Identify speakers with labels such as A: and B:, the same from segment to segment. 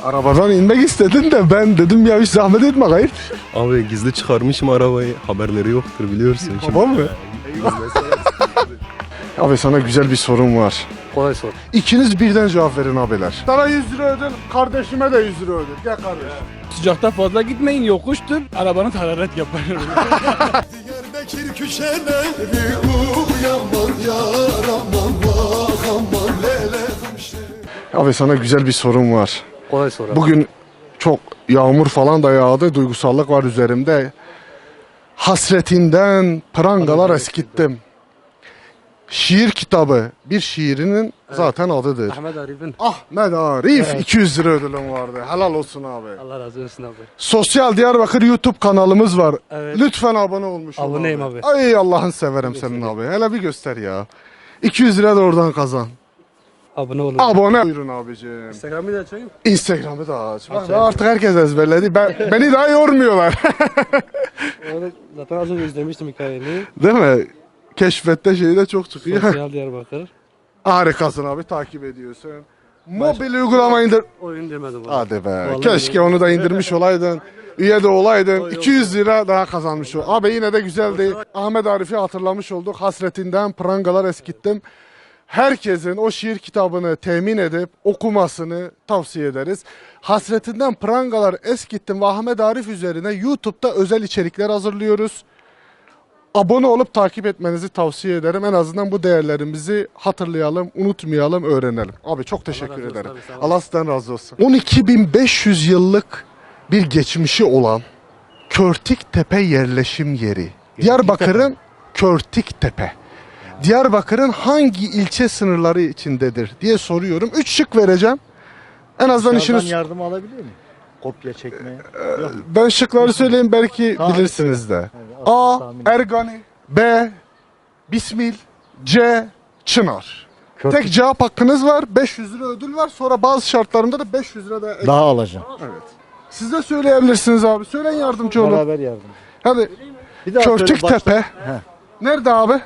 A: Arabadan inmek istedin de ben dedim ya hiç zahmet etme gayet.
B: Abi gizli çıkarmışım arabayı. Haberleri yoktur biliyorsun.
A: Babam mı? Abi sana güzel bir sorum var.
C: Kolay sor.
A: İkiniz birden cevap verin abiler. Sana 100 lira ödül, kardeşime de 100 lira ödül. Gel kardeşim.
D: Sıcakta fazla gitmeyin, yokuştur. Arabanın hararet yapar.
E: Diyarbakır köşeleri uyanman yar aman vah aman lele kumşe.
A: Abi sana güzel bir sorum var.
C: Kolay sor abi.
A: Bugün çok yağmur falan da yağdı. Duygusallık var üzerimde. Hasretinden prangalar eskittim. Şiir kitabı bir şiirinin zaten adıdır.
C: Ahmet Arif'in.
A: Ahmet Arif 200 lira ödülüm vardı. Helal olsun abi.
C: Allah razı olsun abi.
A: Sosyal Diyarbakır YouTube kanalımız var.
C: Evet.
A: Lütfen abone olmuş ol
C: Aboneyim abi.
A: Ay Allah'ın severim senin abi. Hele bir göster ya. 200 lira da oradan kazan.
C: Abone olun.
A: Abone. Buyurun abicim.
C: Instagram'ı da açayım.
A: Instagram'ı da aç. Bak, artık herkes ezberledi. Beni daha yormuyorlar.
C: Onu zaten az önce izlemiştim hikayeni.
A: Değil mi? Keşfette şeyi de çok çıkıyor.
C: Sosyal Diyarbakır.
A: Harikasın abi, takip ediyorsun. Mobil uygulama indir.
C: Oyun demedim abi.
A: Hadi be.
C: Vallahi
A: Keşke onu da indirmiş olaydın. Üye de olaydın. 200 lira daha kazanmış ol. Abi yine de güzeldi. Ahmet Arif'i hatırlamış olduk. Hasretinden prangalar eskittim. Herkesin o şiir kitabını temin edip okumasını tavsiye ederiz. Hasretinden prangalar eskittim ve Ahmet Arif üzerine YouTube'da özel içerikler hazırlıyoruz. Abone olup takip etmenizi tavsiye ederim. En azından bu değerlerimizi hatırlayalım, unutmayalım, öğrenelim. Abi çok teşekkür
C: razı olsun
A: ederim.
C: abi, sağ ol.
A: Allah sizden razı olsun. 12.500 yıllık bir geçmişi olan Körtiktepe yerleşim yeri. Diyarbakır'ın Körtiktepe. Diyarbakır'ın hangi ilçe sınırları içindedir diye soruyorum. 3 şık vereceğim. En azından
F: Dışarıdan
A: işiniz...
F: yardım alabilir miyim? Kopya çekmeye.
A: Ben şıkları söyleyeyim, belki
F: Tahmin
A: bilirsiniz de.
F: Evet,
A: A.
F: tahmin.
A: Ergani. B. Bismil. C. Çınar. Tek cevap hakkınız var. 500 lira ödül var. Sonra bazı şartlarında da 500 lira da...
F: Daha alacağım.
A: Siz de söyleyebilirsiniz abi. Söyleyin, yardımcı olun.
F: Beraber yardım.
A: Hadi.
F: Bir daha söyle,
A: Körtiktepe.
F: Heh.
A: Nerede abi?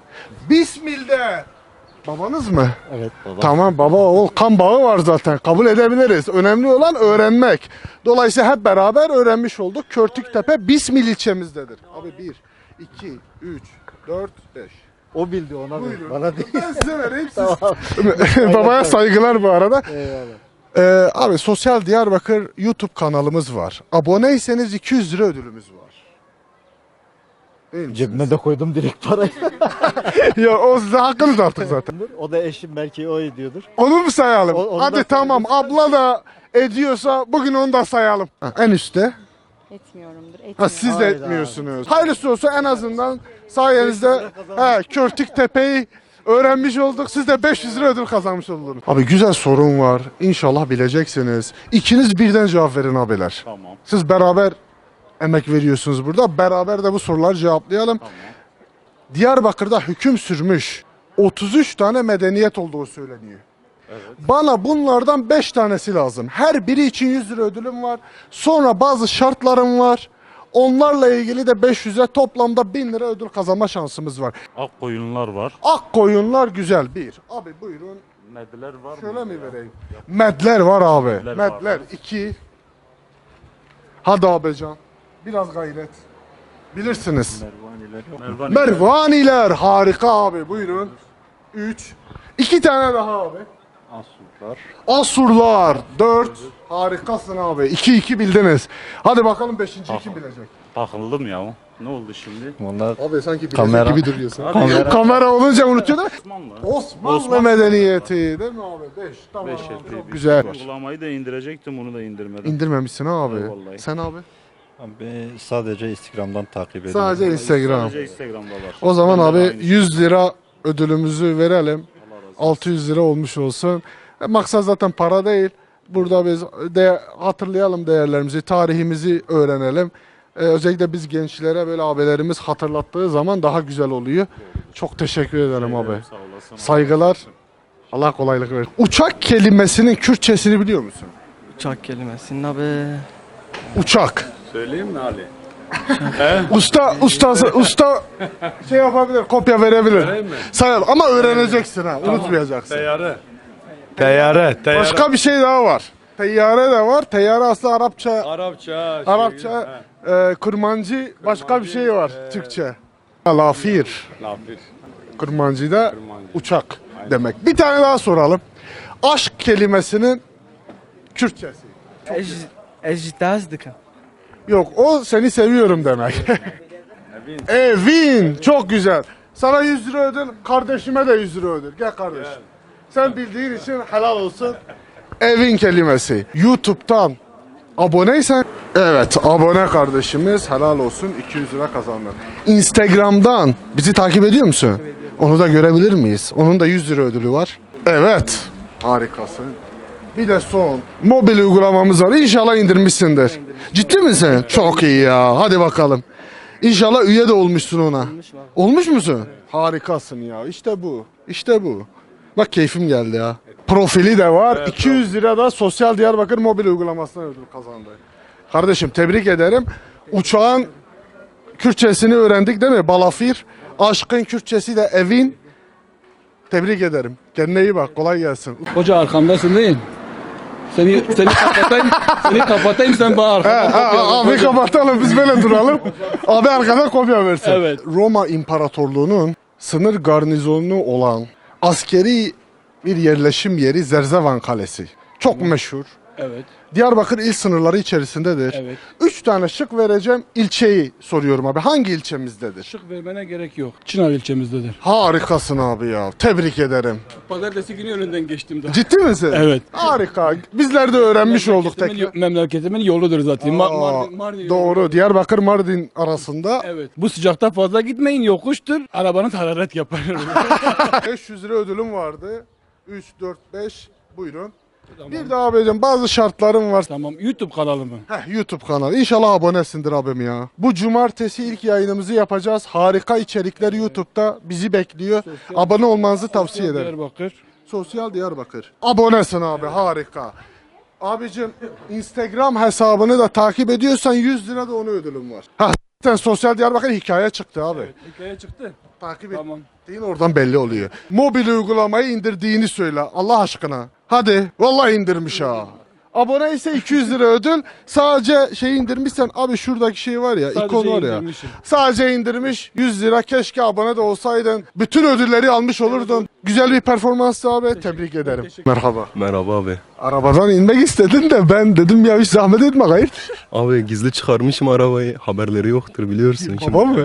A: Bismil'de. Babanız mı?
F: Evet baba.
A: Tamam baba, oğul, kan bağı var zaten, kabul edebiliriz. Önemli olan öğrenmek. Dolayısıyla hep beraber öğrenmiş olduk. Körtiktepe Bismil ilçemizdedir. Abi 1, 2, 3, 4, 5.
F: O bildi ona
A: Buyurun.
F: ver. Bana değil.
A: Ben size vereyim, siz.
F: Tamam.
A: Babaya saygılar bu arada.
F: Eyvallah.
A: Abi Sosyal Diyarbakır YouTube kanalımız var. Aboneyseniz 200 lira ödülümüz var. Değil mi?
F: Cebime de koydum direkt parayı.
A: Ya o size hakkınız artık zaten.
F: O da eşim belki o ediyordur.
A: Onu mu sayalım?
F: Onu
A: Hadi
F: da
A: tamam, abla da ediyorsa bugün onu da sayalım. En üstte.
G: Etmiyorumdur.
A: Ha,
G: Etmiyorum.
A: siz de
F: Hayda.
A: etmiyorsunuz. Hayırlısı olsa, en azından sayenizde Körtiktepe'yi öğrenmiş olduk. Siz de 500 lira ödül kazanmış oldunuz. Abi güzel sorun var. İnşallah bileceksiniz. İkiniz birden cevap verin abiler.
D: Tamam.
A: Siz beraber emek veriyorsunuz burada. Beraber de bu soruları cevaplayalım. Diyarbakır'da hüküm sürmüş 33 tane medeniyet olduğu söyleniyor. Bana bunlardan 5 tanesi lazım. Her biri için 100 lira ödülüm var. Sonra bazı şartlarım var. Onlarla ilgili de 500'e, toplamda 1000 lira ödül kazanma şansımız var.
D: Akkoyunlar var.
A: Akkoyunlar güzel. Bir. Abi buyurun.
D: Mediler var mı?
A: Şöyle mi vereyim? Medler var abi.
D: Medler var.
A: Medler. 2. Hadi abican. Biraz gayret. Bilirsiniz.
D: Mervan.
A: Mervaniler. Harika abi. Buyurun. 3. 2 tane daha abi.
D: Asurlar.
A: Asurlar. 4. Harikasın abi. 2-2 bildiniz. Hadi bakalım 5. kim bilecek?
D: Takıldım ya. Ne oldu şimdi?
F: Onlar
A: Abi sanki bilecek
F: Kamera.
A: gibi duruyorsun.
D: Kamera.
A: Kamera olunca unutuyor da.
D: Osmanlı.
A: Osmanlı medeniyeti değil mi abi? 5. Tamam.
D: Beş
A: Çok
D: epey
A: güzel.
D: Uygulamayı da indirecektim, onu da indirmedim.
A: İndirmemişsin abi.
D: Vallahi.
A: Sen abi?
F: ben sadece Instagram'dan takip ediyorum.
A: Sadece Instagram.
D: Sadece Instagram'da var.
A: O zaman
D: Bende de
A: abi
D: aynı.
A: 100 lira ödülümüzü verelim. 600 lira olmuş olsun. Maksat zaten para değil. Burada biz de hatırlayalım değerlerimizi, tarihimizi öğrenelim. Özellikle biz gençlere böyle abilerimiz hatırlattığı zaman daha güzel oluyor. Çok teşekkür ederim abi.
D: Sağ olasın.
A: Saygılar. Allah kolaylık versin. Uçak kelimesinin Kürtçesini biliyor musun?
H: Uçak kelimesinin abi.
A: Uçak.
D: Söyleyeyim mi Ali?
A: Usta şey yapabilir, kopya verebilir. Sayalım ama öğreneceksin ha, unutmayacaksın.
D: Teyyare.
A: Başka bir şey daha var. Teyyare de var. Teyyare aslında Arapça.
D: Arapça.
A: Arapça. Kurmancı başka bir şey var Türkçe. Lafir.
D: Lafir.
A: Kurmancı da uçak demek. Bir tane daha soralım. Aşk kelimesinin Kürtçesi.
H: Ejitazdık.
A: Yok, o seni seviyorum demek. Evin. Çok güzel. Sana 100 lira ödül, kardeşime de 100 lira ödül. Gel kardeş. Sen bildiğin için helal olsun. Evin kelimesi. YouTube'dan aboneysen, evet, abone kardeşimiz, helal olsun, 200 lira kazandın. Instagram'dan bizi takip ediyor musun? Onu da görebilir miyiz? Onun da 100 lira ödülü var. Evet. Harikasın. Bir de son mobil uygulamamız var. İnşallah indirmişsindir. Ciddi misin? Çok iyi ya. Hadi bakalım. İnşallah üye de olmuşsun ona. Olmuş musun? Harikasın ya. İşte bu. İşte bu. Bak keyfim geldi ya. Profili de var. 200 lira da Sosyal Diyarbakır mobil uygulamasından ödül kazandı. Kardeşim tebrik ederim. Uçağın Kürtçesini öğrendik değil mi? Balafir. Aşkın Kürtçesi de evin. Tebrik ederim. Kendine iyi bak. Kolay gelsin.
D: Hoca arkamdasın değil mi? Seni kapatayım. Seni kapatayım sen bana arkadan kopya ver.
A: Abi kapatalım, biz böyle duralım. Abi arkadan kopya versin.
D: Evet.
A: Roma İmparatorluğu'nun sınır garnizonu olan askeri bir yerleşim yeri Zerzevan Kalesi. Çok meşhur.
D: Evet.
A: Diyarbakır il sınırları içerisindedir.
D: Evet.
A: 3 tane şık vereceğim. İlçeyi soruyorum abi. Hangi ilçemizdedir?
D: Şık vermene gerek yok. Çınar ilçemizdedir.
A: Harikasın abi ya. Tebrik ederim.
D: Pazartesi günü önünden geçtim daha.
A: Ciddi misin?
D: Evet.
A: Harika. Bizler de öğrenmiş olduk tekrar.
D: Memleketimin yoludur zaten. Mardin yolu.
A: Doğru. Diyarbakır Mardin arasında
D: Evet. Bu sıcakta fazla gitmeyin, yokuştur. Arabanız hararet yapar.
A: 500 lira ödülüm vardı. 3, 4, 5. Buyurun. Bir daha abicim bazı şartlarım var.
D: Tamam. YouTube kanalı mı?
A: YouTube kanalı. İnşallah abonesindir abim ya. Bu cumartesi ilk yayınımızı yapacağız. Harika içerikler YouTube'da bizi bekliyor. Abone olmanızı tavsiye ederim.
D: Diyarbakır.
A: Sosyal Diyarbakır. Abonesin abi, harika. Abicim Instagram hesabını da takip ediyorsan 100 lira da onu ödülüm var. Ha sen Sosyal Diyarbakır hikaye çıktı abi.
D: Hikaye çıktı.
A: Takip
D: Tamam.
A: ettiğin oradan belli oluyor. Mobil uygulamayı indirdiğini söyle Allah aşkına. Hadi vallahi indirmiş ha. Abone ise 200 lira ödül. Sadece şey indirmişsen abi, şuradaki şey var ya,
D: Sadece
A: ikon var ya.
D: indirmişim.
A: Sadece indirmiş 100 lira. Keşke abone de olsaydın. Bütün ödülleri almış olurdun. Güzel bir performanstı abi. Tebrik ederim. Merhaba.
B: Merhaba abi.
A: Arabadan inmek istedin de ben dedim ya hiç zahmet etme gayet.
B: Abi gizli çıkarmışım arabayı. Haberleri yoktur biliyorsun.
A: Baba mı?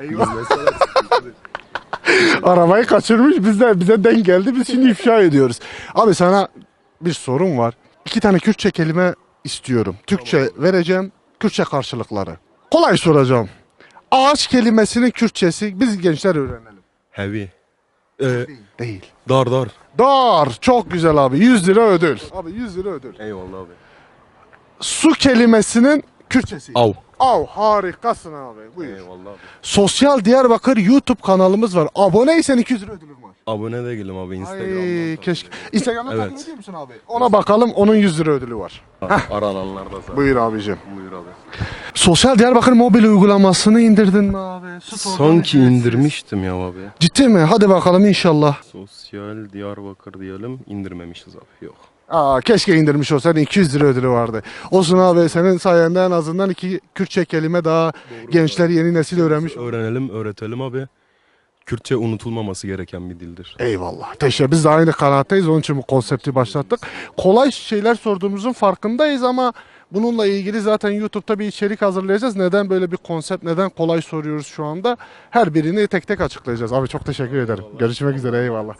A: Arabayı kaçırmış, bize denk geldi, biz şimdi ifşa ediyoruz. Abi sana bir sorum var. 2 tane Kürtçe kelime istiyorum. Türkçe vereceğim, Kürtçe karşılıkları. Kolay soracağım. Ağaç kelimesinin Kürtçesi biz gençler öğrenelim.
B: Heavy.
A: Değil.
B: Dar.
A: Dar. Çok güzel abi. 100 lira ödül. Abi 100 lira ödül.
B: Eyvallah abi.
A: Su kelimesinin Kürtçesi.
B: Av.
A: Av. Harikasın abi. Buyur.
B: Eyvallah abi.
A: Sosyal Diyarbakır YouTube kanalımız var. Aboneysen 200 lira ödülüm var.
B: Abone de değilim abi
A: Ay
B: Instagram'dan.
A: keşke. Instagram'dan
B: Evet.
A: takip ediyor musun abi? Ona bakalım, onun 100 lira ödülü var.
B: Arananlar da zaten.
A: Buyur abicim.
B: Buyur abi.
A: Sosyal Diyarbakır mobil uygulamasını indirdin mi abi?
B: Sanki indirmiştim ya abi.
A: Ciddi mi? Hadi bakalım inşallah.
B: Sosyal Diyarbakır diyelim. İndirmemişiz abi. Yok.
A: Aa, keşke indirmiş olsaydın, 200 lira ödülü vardı. Olsun abi, senin sayende en azından 2 Kürtçe kelime daha gençler, yeni nesil öğrenmiş.
B: Öğrenelim, öğretelim abi. Kürtçe unutulmaması gereken bir dildir.
A: Eyvallah. Teşekkür. Biz de aynı kanaattayız. Onun için bu konsepti başlattık. Kolay şeyler sorduğumuzun farkındayız ama bununla ilgili zaten YouTube'da bir içerik hazırlayacağız. Neden böyle bir konsept, neden kolay soruyoruz şu anda? Her birini tek tek açıklayacağız. Abi çok teşekkür ederim. Görüşmek üzere. Eyvallah.